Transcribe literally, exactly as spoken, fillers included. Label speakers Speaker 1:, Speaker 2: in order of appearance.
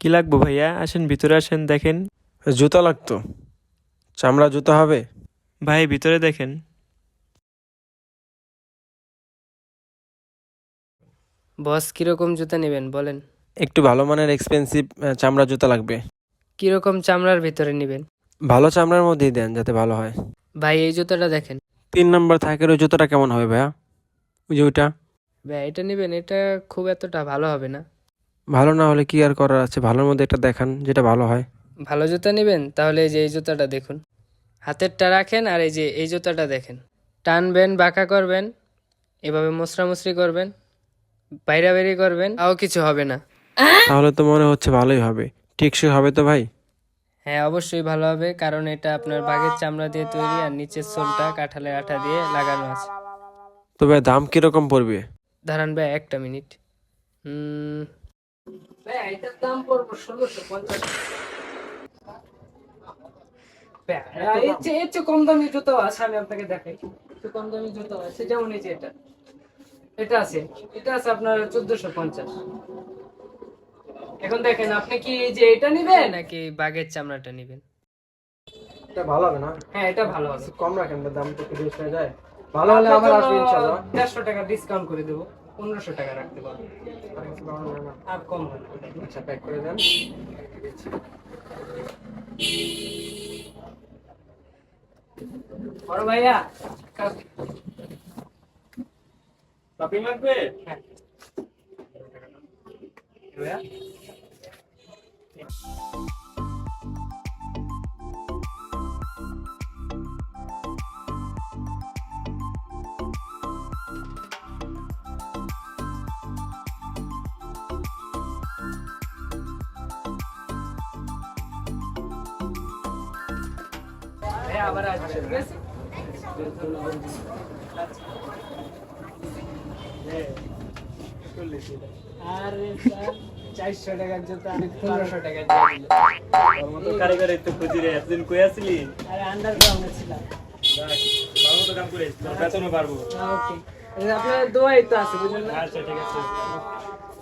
Speaker 1: কি লাগবো ভাইয়া? আসেন ভিতরে আসেন, দেখেন।
Speaker 2: জুতা লাগতো, চামড়া জুতা হবে?
Speaker 1: ভাই ভিতরে দেখেন।
Speaker 3: বস কিরকম জুতা নেবেন বলেন?
Speaker 2: একটু ভালো মানের এক্সপেন্সিভ চামড়া জুতা লাগবে।
Speaker 3: কিরকম চামড়ার ভিতরে নেবেন?
Speaker 2: ভালো চামড়ার মধ্যেই দেন যাতে ভালো হয়।
Speaker 3: ভাই এই জুতাটা দেখেন।
Speaker 2: তিন নম্বর থাকের ওই জুতাটা কেমন হবে ভাইয়া? ওই যে ওইটা
Speaker 3: ভাই এটা নেবেন, এটা খুব এতটা ভালো হবে না।
Speaker 2: ভালো না হলে কি আর করার আছে, ভালোর মধ্যে একটা দেখান যেটা ভালো হয়।
Speaker 3: ভালো জুতা নেবেন তাহলে এই যে এই জুতাটা দেখুন, হাতেরটা রাখেন আর এই যে এই জুতাটা দেখেন। টানবেন, বাঁকা করবেন, এভাবে মোছরামুছরি করবেন, বাইরা বেরি করবেন, তাও কিছু হবে না।
Speaker 2: তাহলে তো মনে হচ্ছে ভালোই হবে। টেকসই হবে তো ভাই?
Speaker 3: হ্যাঁ অবশ্যই ভালো হবে, কারণ এটা আপনার বাঘের চামড়া দিয়ে তৈরি আর নিচের সোলটা কাঁঠালের আঠা দিয়ে লাগানো আছে।
Speaker 2: তো ভাই দাম কিরকম পড়বে?
Speaker 3: দাঁড়ান ভাই একটা মিনিট। হুম ভাই এটার দাম পড়বো ষোলোশো পঞ্চাশ। এর চেয়ে এর চেয়ে কম দামি জুতো আছে, আমি আপনাকে দেখাই। একটু কম দামি জুতো আছে, যেমন এই যে এটা এটা আছে, এটা আছে আপনার চোদ্দশো পঞ্চাশ। এখন দেখেন আপনি কি এই যে এটা নিবেন নাকি বাঘের চামড়াটা নিবেন?
Speaker 2: এটা ভালো হবে না?
Speaker 3: হ্যাঁ এটা ভালো হবে।
Speaker 2: কম রাখেন, দাম তো একটু বেশি হয়ে যায়। ভালো হলে আবার আসবে ইনশাআল্লাহ।
Speaker 3: দেড়শো টাকা ডিসকাউন্ট করে দেবো, পনেরোশো টাকা রাখতে পারবো। আর কম হবে।
Speaker 2: আচ্ছা প্যাক করে দেন।
Speaker 3: বড় ভাইয়া
Speaker 1: শপিং লাগবে?
Speaker 3: হ্যাঁ ভাইয়া ভাইয়া আবার আসবে, ঠিক আছে? আরে স্যার, চারশো টাকার জুতা আমি পনেরোশো টাকা দিয়ে দিলাম।
Speaker 1: তোর মতো কারিগর তো খুঁজি রে, এতদিন কই আসলি?
Speaker 3: আরে আন্ডারগ্রাউন্ডে ছিলাম।
Speaker 1: যাক, ভালো মতো কাম করিস, তোর বেতনও পারবো।
Speaker 3: ওকে, আপনার দোয়াই তো আছে বুঝলেন না?
Speaker 1: আচ্ছা ঠিক আছে।